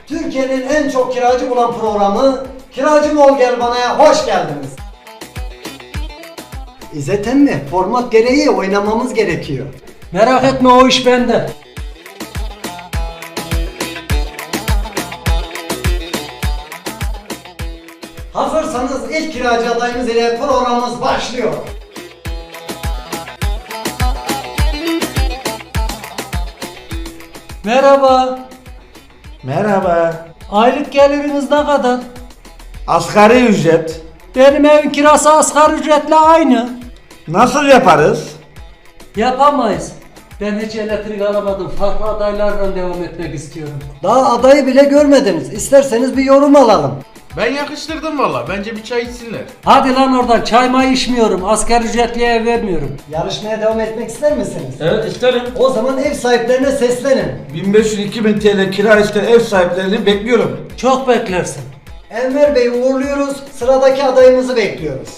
Türkiye'nin en çok kiracı bulan programı Kiracım Ol Gel Bana'ya hoş geldiniz. İzzet emmi, format gereği oynamamız gerekiyor. Merak etme, o iş bende. Hazırsanız ilk kiracı adayımız ile programımız başlıyor. Merhaba. Merhaba. Aylık geliriniz ne kadar? Asgari ücret. Benim evin kirası asgari ücretle aynı. Nasıl yaparız? Yapamayız. Ben hiç elektrik alamadım. Farklı adaylarla devam etmek istiyorum. Daha adayı bile görmediniz. İsterseniz bir yorum alalım. Ben yakıştırdım valla. Bence bir çay içsinler. Hadi lan oradan, çay may içmiyorum. Asgari ücretliye ev vermiyorum. Yarışmaya devam etmek ister misiniz? Evet isterim. O zaman ev sahiplerine seslenin. 1500-2000 TL kira isteyen ev sahiplerini bekliyorum. Çok beklersin. Enver Bey'i uğurluyoruz. Sıradaki adayımızı bekliyoruz.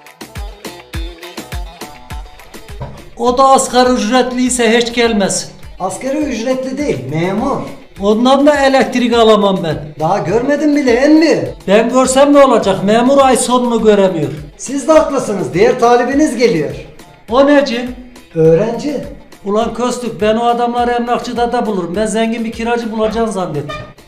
O da asgari ücretliyse hiç gelmesin. Asgari ücretli değil, memur. Ondan da elektrik alamam ben. Daha görmedin bile emmi. Ben görsem ne olacak? Memur ay sonunu göremiyor. Siz de haklısınız. Diğer talibiniz geliyor. O neci? Öğrenci. Ulan Köstük, ben o adamları emlakçıda da bulurum. Ben zengin bir kiracı bulacağını zannettim.